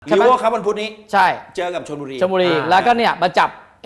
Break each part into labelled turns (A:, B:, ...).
A: ลีโวครับวันพุธนี้
B: ใช่
A: เจอกับชลบุรี
B: แล้วก็เนี่ยมาจับ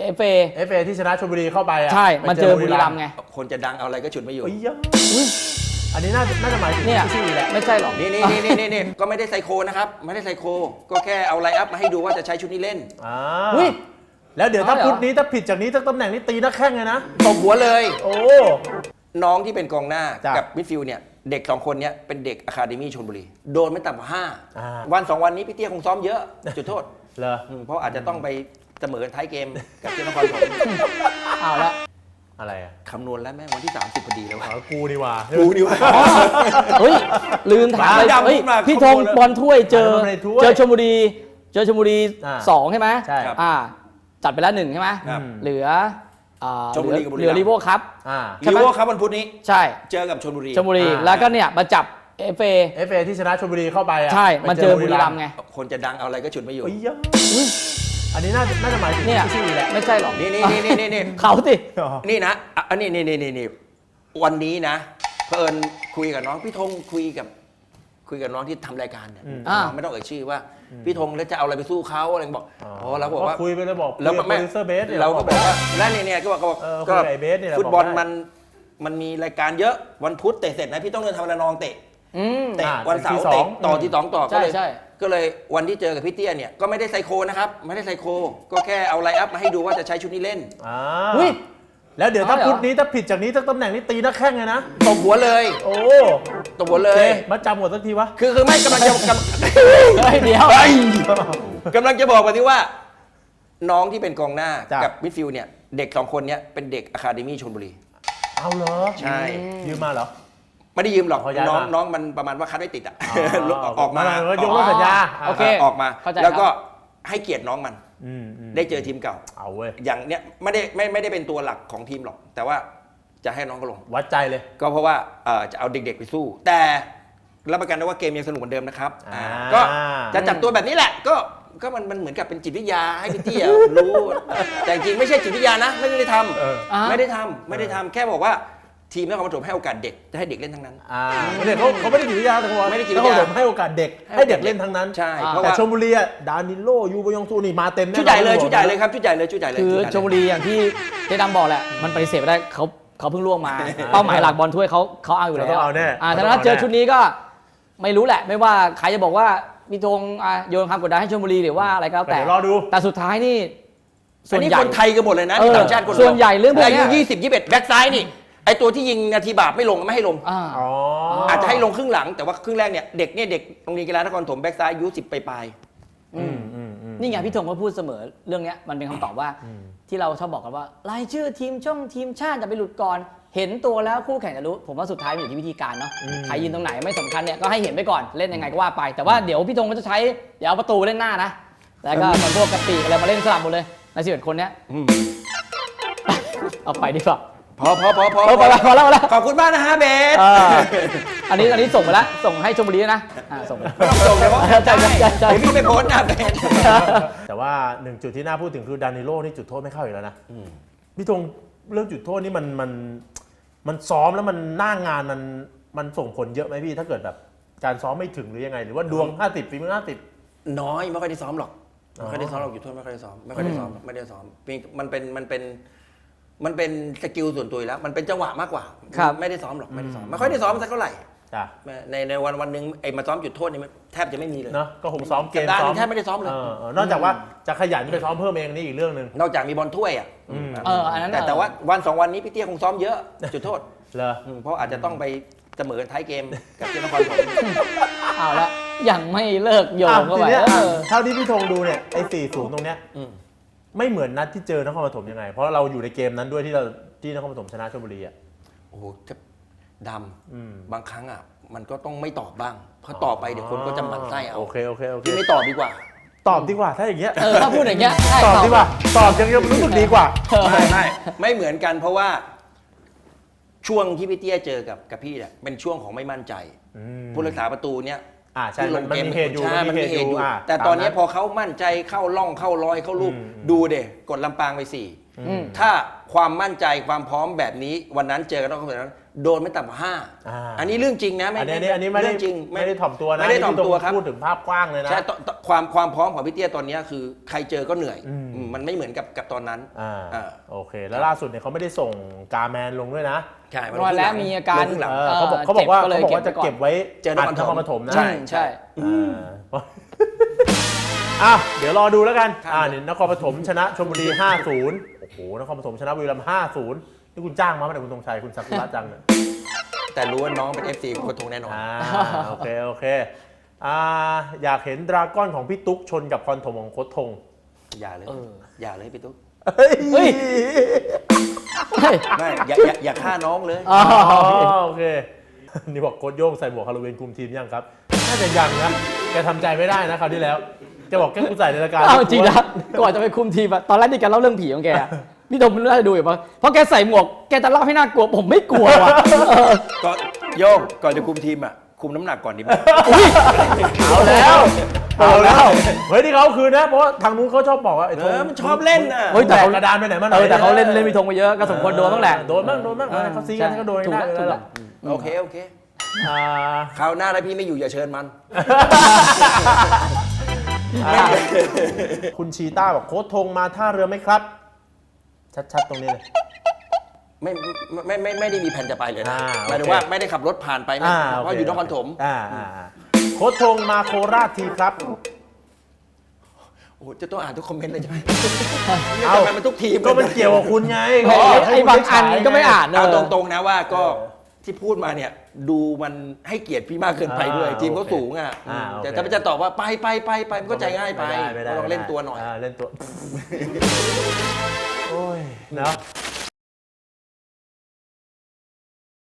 B: FA
C: ที่ชนะชลบุรีเข้าไปอ่ะ
B: ใช่มันเจอบุรีรัมย์ไง
A: คนจะดังเอาอะไรก็ฉุดไม่อยู่
C: อันนี้น่าจะหมายถึงชื่อแหละ
B: ไม่ใช่หรอก
A: นี่ก็ไม่ได้ไซโคนะครับไม่ได้ไซโคก็แค่เอาไลน์อัพมาให้ดูว่าจะใช้ชุดนี้เล่น
C: แล้วเดี๋ยวถ้าพุธนี้ถ้าผิดจากนี้สักตำแหน่งนี้ตีนักแข้งเลยนะ
A: ตบหัวเลย
C: โอ้
A: น้องที่เป็นกองหน้ากับมิดฟิลด์เนี่ยเด็ก2คนเนี้ยเป็นเด็กอะคาเดมี่ชลบุรีโดนไม่ต่ำกว่า5วัน2วันนี้พี่เตี้ยคงซ้อมเยอะจุดโทษเพราะอาจจะต้องไปเสมอท้ายเกมกับเจ้านครปฐม
B: เอาละ
C: อะไรอะ
A: คำนวณแล้วแม่งวันที่30พอดีแล้ว
C: กูดีว่า
A: เ
B: ฮ้ยลืมถามเลยพี่ธงบอลถ้วยเจอชลบุรี2ใช่ไหม
C: ใช่
B: จัดไปแล้ว1ใช่ไหมเหลือลีโวครับ
A: ลีโวครับวันพุธนี้
B: ใช่
A: เจอกับชลบุรี
B: แล้วก็เนี่ยมาจับ
C: FA ที่ชนะชลบุรีเข้าไปอ่ะ
B: ใช่มันเจอบุรีรัมย์ไง
A: คนจะดังเอาอะไรก็ฉุดไม่อยู่
C: อันนี้น่าจะหมายถึงชื่อแหละ
B: ไม่ใช่หรอก
A: นี่
B: เขาสิ
A: นี่นะอันนี้วันนี้นะเผอิญคุยกับน้องพี่ธงคุยกับน้องที่ทำรายการเนี่ยไม่ต้องเอ่ยชื่อว่าพี่ธงแล้วจะเอาอะไรไปสู้เขาอะไรบอกเราบอกว่า
C: คุยไปเลยบอก
A: แล้วโปรดิวเซอร์เบสเราก็บอกว่าแล้วเนี่ยก็บอกฟุตบอลมันมีรายการเยอะวันพุธเตะเสร็จนะพี่ต้องเดินทำระนองเตะวันเสาร์เตะต่อที่2ต่อก็เลยวันที่เจอกับพี่เตี้ยเนี่ยก็ไม่ได้ไซโคนะครับไม่ได้ไซโคก็แค่เอาไลน์อัพมาให้ดูว่าจะใช้ชุดนี้เล่น
C: แล้วเดี๋ยวถ้าพุธนี้ถ้าผิดจากนี้สักตำแหน่งนี้ตีนักแข้งเลยนะ
A: ตบหัวเลยตบหัวเลย
C: มาจำหมดสักทีวะ
A: คือไม่กำลังจะ
B: เดี๋ยว
A: กำลังจะบอกว่าที่ว่าน้องที่เป็นกองหน้ากับมิดฟิลด์เนี่ยเด็ก2คนเนี้ยเป็นเด็กอะคาเดมี่ชลบุรี
C: เอาเหรอ
A: ใช่
C: ยืมมาเหรอ
A: ไม่ได้ยืมหรอกน้องมันประมาณว่าคัดไม่ติดอ่ะออกมาย
C: กเลิกสัญญา
A: โอเคออกมาแล้วก็ให้เกียรติน้องมันได้เจอทีมเก่า
C: เอาเว้ย
A: อย่างเนี้ยไม่ได้เป็นตัวหลักของทีมหรอกแต่ว่าจะให้น้องก็ลง
C: วัดใจเลย
A: ก็เพราะว่าจะเอาเด็กๆไปสู้แต่รับประกันได้ว่าเกมยังสนุกเหมือนเดิมนะครับก็จะจับตัวแบบนี้แหละก็มันเหมือนกับเป็นจิตวิทยาให้พี่เตี้ยรู้แต่จริงไม่ใช่จิตวิทยานะไม่ได้ทำแค่บอกว่าทีมนครปฐมให้โอกาสเด็กจะให้เด็กเล่นทั้งนั้น
C: เขาไม่ได้จิตวิทยาแต่เขา
A: ไม่ได้จิต
C: วิทยาให้โอกาสเด็กให้เด็กเล่นทั้งนั้น
A: ใช่
C: แต่ชลบุรีดานิโลยูบยองซูนี่มาเต็ม
A: ชุดใหญ่เลยครับชุดใหญ่เลย
B: คือชลบุรีอย่างที่เจดำบอกแหละมันปฏิเสธไม่ได้เขาเพิ่งล่วงมาเป้าหมายหลักบอลถ้วยเขาเอาอยู่แล้วแต่ถ้าเจอชุดนี้ก็ไม่รู้แหละไม่ว่าใครจะบอกว่ามีธงโยนความกดดันให้ชลบุรีหรือว่าอะไรก็แล้วแต่
C: รอดู
B: แต่สุดท้ายนี่
A: ส่วนใหญ่คนไทยกันหมดเลยนะต่างชาติคน
B: ส่วนใหญ่เรื่องพวกนี้
A: อายุ20-21แบ็คซ้ายนี่ไอตัวที่ยิงนาทีบาปไม่ลงไม่ให้ลงอาจจะให้ลงครึ่งหลังแต่ว่าครึ่งแรกเนี่ยเด็กโรงเรียนกีฬานครปฐมแบ็คซ้ายอายุ10ปลาย
B: นี่ไงพี่ธงก็พูดเสมอเรื่องนี้มันเป็นคำตอบว่าที่เราชอบบอกกันว่ารายชื่อทีมชาติจะไปหลุดก่อนเห็นตัวแล้วคู่แข่งจะรู้ผมว่าสุดท้ายมันอยู่ที่วิธีการเนาะใครยืนตรงไหนไม่สำคัญเนี่ยก็ให้เห็นไปก่อนเล่นยังไงก็ว่าไปแต่ว่าเดี๋ยวพี่ธงก็จะใช้เดี๋ยวเอาประตูเล่นหน้านะแล้วก็พวกกระติอะไรมาเล่นสลับหมดเลยใน11 คนเนี้ยเอาไปดีกว่า
A: พอ
B: แล้ว
A: ขอบคุณมากนะฮะเบส
B: อันนี้ส่งไปแล้วส่งให้ชลบุรีนะส่งไป
A: ส่งเลยว่าใจพี่ไปโพสต์นะเบส
C: แต่ว่า1จุดที่น่าพูดถึงคือดานิโลนี่จุดโทษไม่เข้าอีกแล้วนะพี่ธงเรื่องจุดโทษนี่มันซ้อมแล้วมันหน้างานมันส่งผลเยอะไหมพี่ถ้าเกิดแบบการซ้อมไม่ถึงหรือยังไงหรือว่าดวง50ฝีมือ50
A: น้อยไม่ค่อยได้ซ้อมหรอกจุดโทษไม่ค่อยได้ซ้อมไม่ได้ซ้อมมันเป็นสกิลส่วนตัวแล้วมันเป็นจังหวะมากกว่าไม่ได้ซ้อมหรอกไม่ค่อยได้ซ้อมสักเท่าไหร่ในวันนึงไอ้มาซ้อมจุดโทษนี่แทบจะไม่มีเลย
C: เนาะก็คงซ้อมเกม
A: ซ้อมแทบไม่ได้ซ้อมเลย
C: นอกจากว่าจะขยันไปซ้อมเพิ่มเองนี่อีกเรื่องนึง
A: นอกจากมีบอลถ้วยแต่ว่าวัน2วันนี้พี่เตี้ยคงซ้อมเยอะจุดโทษเพราะอาจจะต้องไปเสมอท้ายเกมกับเจ้านครปฐม
B: เอาละยังไม่เลิกโยงเข้าไป
C: เท่าที่พี่ธงดูเนี่ยไอ้4-0ตรงเนี้ยไม่เหมือนนัดที่เจอนครปฐมยังไงเพราะเราอยู่ในเกมนั้นด้วยที่นครปฐมชนะชลบุรีอ่ะ
A: โอ้โหดำบางครั้งอ่ะมันก็ต้องไม่ตอบบ้างเพราะตอบไปเดี๋ยวคนก็จะหมั่นไส้เอา
C: โอเค
A: ที่ไม่ตอบดีกว่า
C: ตอบดีกว่าถ้าอย่างเงี้ย
B: ถ้าพูดอย่างเงี้ย
C: ตอบดีกว่าตอบยังรู้สึกดีกว่า
A: ไม่เหมือนกันเพราะว่าช่วงที่พี่เตี้ยเจอกับพี่เนี่ยเป็นช่วงของไม่มั่นใจผู้รักษาประตูเนี่ย
C: ที่ลงเกม
A: มันมีเหตุอยู่แต่ตอนนี้พอเขามั่นใจเข้าล่องเข้ารอยเข้าลูกดูเด็กกดลำปางไปถ้าความมั่นใจความพร้อมแบบนี้วันนั้นเจอกันนอกสนามโดนไม่ต่ำกว่า5อันนี้เรื่องจริงนะ
C: อันนี้ไม่ได้
A: เรื่องจริง
C: ไม่ได้ถ่อมตัวนะ
A: ไม่ได้ถ่อมตัวครับ
C: พูดถึงภาพกว้างเลยนะ
A: ใช่ความพร้อมของพี่เตี้ยตอนนี้คือใครเจอก็เหนื่อยมันไม่เหมือนกับตอนนั้น
C: โอเค แล้วล่าสุดเนี่ยเขาไม่ได้ส่งกาแมนลงด้วยนะ
A: ใช่
B: วันแล้วมีอาการ
A: ลงครึ่งหลัง
C: เขาบอกว่า
B: จ็บ
C: จะเก็บไว้
A: เจอนครปฐม
C: ปฐมนะ
A: ใช่
B: ใช่
C: เดี๋ยวรอดูแล้วกัน
A: ครับ
C: นี่นครปฐมชนะชลบุรี 5-0 โอ้โหนครปฐมชนะบุรีรัมย์ 5-0 นี่คุณจ้างมาไหมเนี่ยคุณธงชัยคุณซากุระจังเนี่ย
A: แต่รู้ว่าน้องเป็น FC โคตรทงแน่นอน
C: โอเคอยากเห็นดราก้อนของพี่ตุ๊กชนกับพรถมของโคตรทง
A: อย่าเลยอย่าเลยพี่ตุ๊ก
B: เฮ้ย
A: ไม่อย่าฆ่าน้องเลย
C: โอเค นี่บอกโค้ชโย่งใส่หมวกฮาโลวีนคุมทีมยังครับ น่าจะยังนะ แกทำใจไม่ได้นะคราวที่แล้วแกบอกแกกูใส่ในรายการ
B: เอาจริงนะก่อนจะไปคุมทีมอะตอนแรกที่แกเล่าเรื่องผีของแกอะพี่ธงน่าจะดูอยู่ปะเพราะแกใส่หมวกแกจะเล่าให้น่ากลัวผมไม่กลัวว่ะ
A: ก่อนจะคุมทีมอ่ะคุมน้ำหนักก่อนดีไหม
C: เอาแล้วเฮ้ยที่เขาคืนนะเพราะว่าทางนู้นเขาชอบบอกว่าไอ้ธง
A: มันชอบเล่นน่ะ
C: เฮ้ยแต่กระดานไปไหนมาหน่อย
B: แต่เขาเล่นพี่ธงไปเยอะก็สมควรโดนบ้างแหละ
C: โดนบ้างเขาซีกันก็โดน
B: ถูก
C: ได้
B: แล้วถูก
C: แล้
B: แล้ว ว
A: โอเคคราวหน้าถ้าพี่ไม่อยู่อย่าเชิญมัน
C: คุณชีต้าบอกโค้ชธงมาท่าเรือไหมครับ ชัดๆตรงนี้เลย
A: ไม่ได้มีแผนจะไปเลยนะ
C: โอเค
A: หมายถึงว่าไม่ได้ขับรถผ่านไปนะเพราะอยู่นครปฐม
C: โค้ชธงมาโคราชทีครับ
A: โอ้จะต้องอ่านทุกคอมเมนต์เลยใช่ไหม
C: เอ้า
A: ทำไมมันทุกทีม
C: ก็มันเกี่ยวกับคุณไง
B: ไอ้บางอันก็ไม่อ่าน
A: เอาตรงๆนะว่าก็ที่พูดมาเนี่ยดูมันให้เกียรติพี่มากเกินไปด้วยทีมเขาสูงอ่ะแต่ถ้าจะตอบว่าไปมันก็ใจง่ายไปลองเล่นตัวหน่อย
C: เล่นตัว โอ้ยเนาะ